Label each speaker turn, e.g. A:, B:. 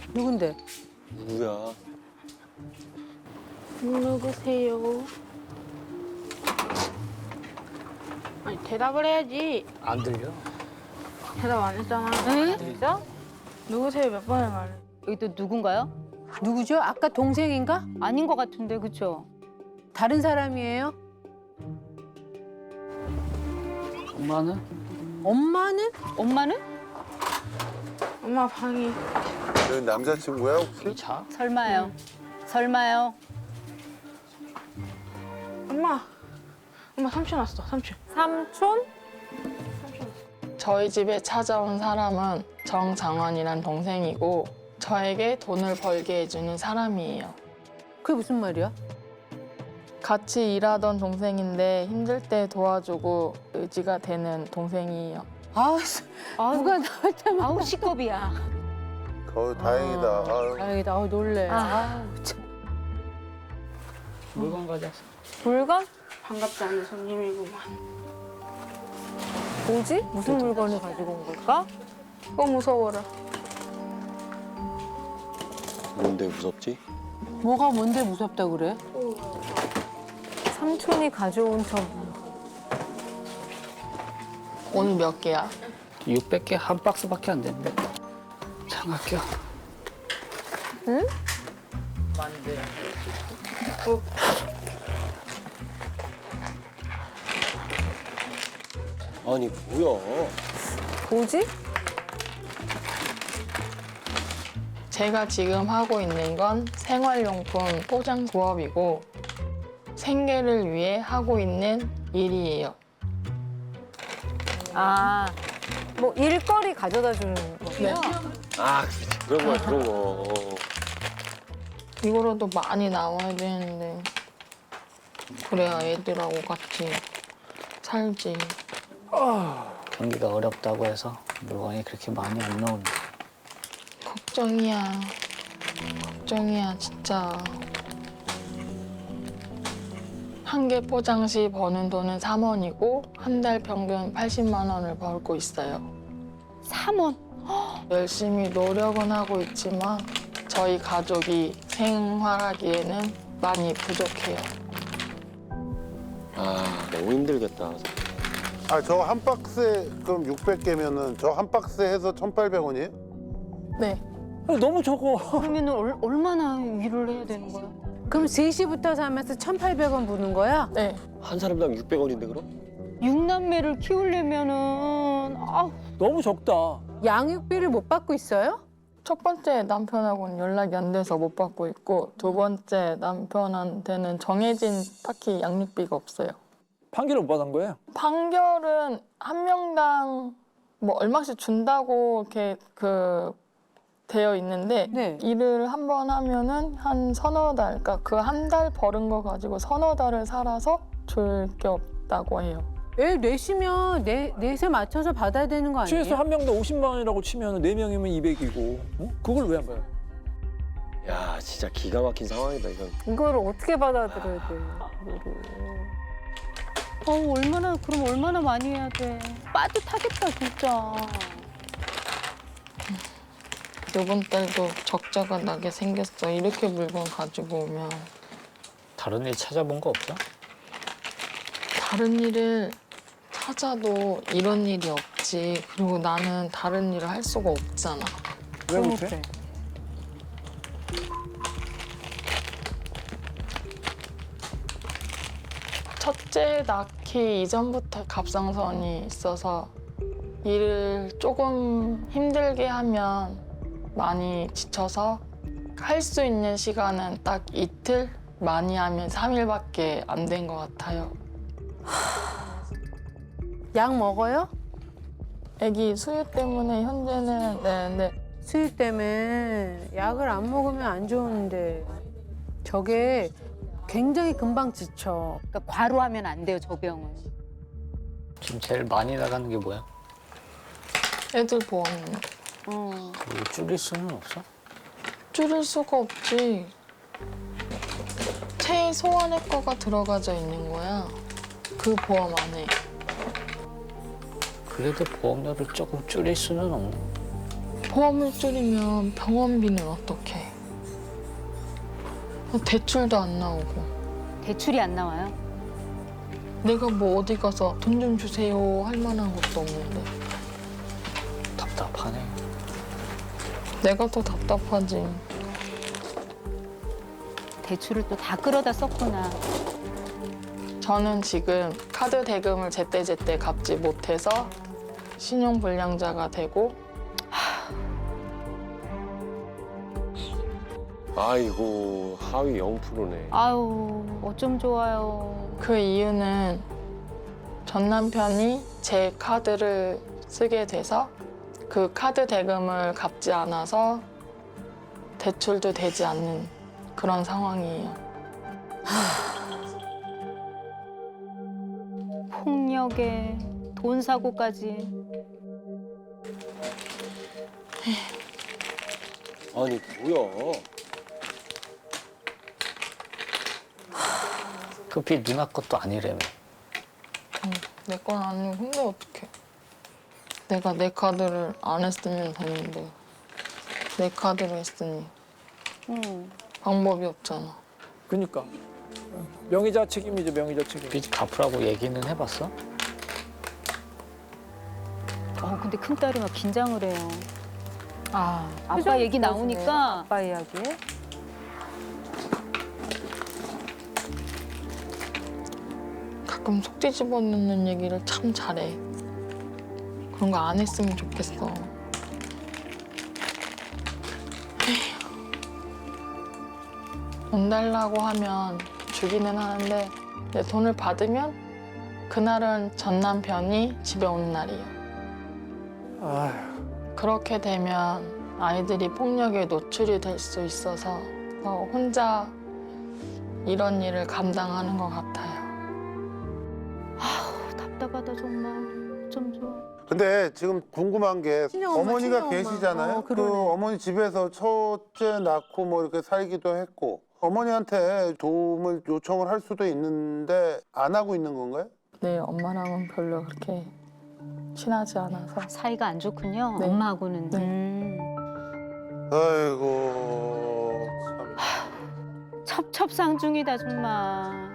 A: 누군데?
B: 누구야?
C: 누구세요? 아니 대답을 해야지.
D: 안 들려.
C: 대답 안 했잖아.
A: 응?
C: 진짜? 누구세요 몇 번을 말해?
E: 여기 또 누군가요?
A: 누구죠? 아까 동생인가?
E: 아닌 것 같은데, 그쵸?
A: 다른 사람이에요?
D: 엄마는?
A: 엄마는?
E: 엄마는?
C: 엄마 방이.
F: 여기 남자친구야 혹시?
D: 자?
E: 설마요. 설마요.
C: 엄마. 엄마 삼촌 왔어. 삼촌.
E: 삼촌?
G: 저희 집에 찾아온 사람은 정장원이란 동생이고 저에게 돈을 벌게 해주는 사람이에요.
A: 그게 무슨 말이야?
G: 같이 일하던 동생인데 힘들 때 도와주고 의지가 되는 동생이에요.
A: 아, 누가 나올 때마다.
E: 아우, 시겁이야.
F: 다행이다. 아유.
A: 다행이다. 놀래. 아, 참.
D: 물건 가져왔어.
E: 물건?
C: 반갑지 않은 손님이구만.
E: 뭐지? 무슨 물건을 가지고 온 걸까?
C: 무서워라.
B: 뭔데 무섭지?
A: 뭐가 뭔데 무섭다 그래?
E: 삼촌이 가져온 저
G: 오늘 몇 개야?
D: 600개 한 박스밖에 안 되는데. 장학교.
E: 응?
B: 아니 뭐야?
E: 뭐지?
G: 제가 지금 하고 있는 건 생활용품 포장 부업이고 생계를 위해 하고 있는 일이에요.
E: 아, 뭐 일거리 가져다 주는 거구나.
B: 아 그런 거야 그런 거.
G: 이거라도 많이 나와야 되는데 그래야 애들하고 같이 살지.
D: 경기가 어렵다고 해서 물건이 그렇게 많이 안 나오는데.
G: 걱정이야. 걱정이야 진짜. 한 개 포장 시 버는 돈은 3원이고 한 달 평균 80만 원을 벌고 있어요.
E: 3원.
G: 열심히 노력은 하고 있지만 저희 가족이 생활하기에는 많이 부족해요.
B: 아 너무 힘들겠다.
F: 아, 저 한 박스에 그럼 600개면은 저 한 박스에 해서 1,800원이에요?
G: 네.
D: 너무 적어.
E: 그러면 얼마나 일을 해야 되는 거야?
A: 그럼 3시부터 사면서 1,800원 부는 거야?
G: 네.
B: 한 사람당 600원인데 그럼?
E: 육남매를 키우려면은
D: 너무 적다.
A: 양육비를 못 받고 있어요?
G: 첫 번째 남편하고는 연락이 안 돼서 못 받고 있고 두 번째 남편한테는 정해진 딱히 양육비가 없어요.
D: 판결을 못 받은 거예요?
G: 판결은 한 명당 뭐 얼마씩 준다고 이렇게 되어 있는데
A: 네.
G: 일을 한 번 하면은 한 서너 달, 그러니까 그 한 달 벌은 거 가지고 서너 달을 살아서 줄 게 없다고 해요.
A: 애 넷이면 넷에 맞춰서 받아야 되는 거 아니에요?
H: 최소 한 명당 50만 원이라고 치면 4명이면 200이고 그걸 왜 안 봐요?
B: 야 진짜 기가 막힌 상황이다 이건.
E: 이거를 어떻게 받아들여야 돼? 그럼 얼마나 많이 해야 돼? 빠듯하겠다, 진짜.
G: 이번 달도 적자가 나게 생겼어. 이렇게 물건 가지고 오면
D: 다른 일 찾아본 거 없어?
G: 다른 일을 찾아도 이런 일이 없지. 그리고 나는 다른 일을 할 수가 없잖아.
H: 왜 못해?
G: 첫째 낳기 이전부터 갑상선이 있어서 일을 조금 힘들게 하면 많이 지쳐서 할 수 있는 시간은 딱 이틀, 많이 하면 3일밖에 안 된 것 같아요.
A: 약 먹어요?
G: 아기 수유 때문에 현재는 네.
A: 수유 때문에 약을 안 먹으면 안 좋은데 저게 굉장히 금방 지쳐.
E: 그러니까 과로하면 안 돼요, 저 병은.
D: 지금 제일 많이 나가는 게 뭐야?
G: 애들 보험
D: 이거 줄일 수는 없어?
G: 줄일 수가 없지. 최소한의 거가 들어가져 있는 거야. 그 보험 안에.
D: 그래도 보험료를 조금 줄일 수는 없나?
G: 보험을 줄이면 병원비는 어떻게? 대출도 안 나오고.
E: 대출이 안 나와요?
G: 내가 뭐 어디 가서 돈 좀 주세요 할 만한 것도 없는데.
D: 답답하네.
G: 내가 더 답답하지.
E: 대출을 또 다 끌어다 썼구나.
G: 저는 지금 카드 대금을 제때제때 갚지 못해서 신용불량자가 되고
B: 아이고 하위 0%네.
E: 아유, 어쩜 좋아요.
G: 그 이유는 전 남편이 제 카드를 쓰게 돼서 그 카드 대금을 갚지 않아서 대출도 되지 않는 그런 상황이에요.
E: 폭력에 돈 사고까지.
B: 아니 뭐야?
D: 그 빚 누나 것도 아니라며.
G: 내 건 아니고 근데 어떡해. 내가 내 카드를 안 했으면 됐는데 내 카드로 했으니 방법이 없잖아.
H: 그러니까 명의자 책임이죠, 명의자 책임.
D: 빚 갚으라고 얘기는 해봤어?
E: 근데 큰딸이 막 긴장을 해요.
A: 아,
E: 아빠 얘기 나오니까.
A: 아빠 이야기.
G: 가끔 속 뒤집어 놓는 얘기를 참 잘해. 그런 거 안 했으면 좋겠어. 돈 달라고 하면 주기는 하는데 내 돈을 받으면 그날은 전 남편이 집에 오는 날이에요.
H: 아휴,
G: 그렇게 되면 아이들이 폭력에 노출이 될 수 있어서 혼자 이런 일을 감당하는 것 같아요.
E: 답답하다 정말. 어쩜 좋아.
F: 근데 지금 궁금한 게
A: 친정엄마,
F: 어머니가
A: 친정엄마.
F: 계시잖아요. 그
A: 그러네.
F: 어머니 집에서 첫째 낳고 뭐 이렇게 살기도 했고 어머니한테 도움을 요청을 할 수도 있는데 안 하고 있는 건가요?
G: 네, 엄마랑은 별로 그렇게 친하지 않아서.
E: 사이가 안 좋군요.
G: 네.
E: 엄마하고는.
G: 네.
F: 아이고 참.
E: 첩첩상중이다 정말.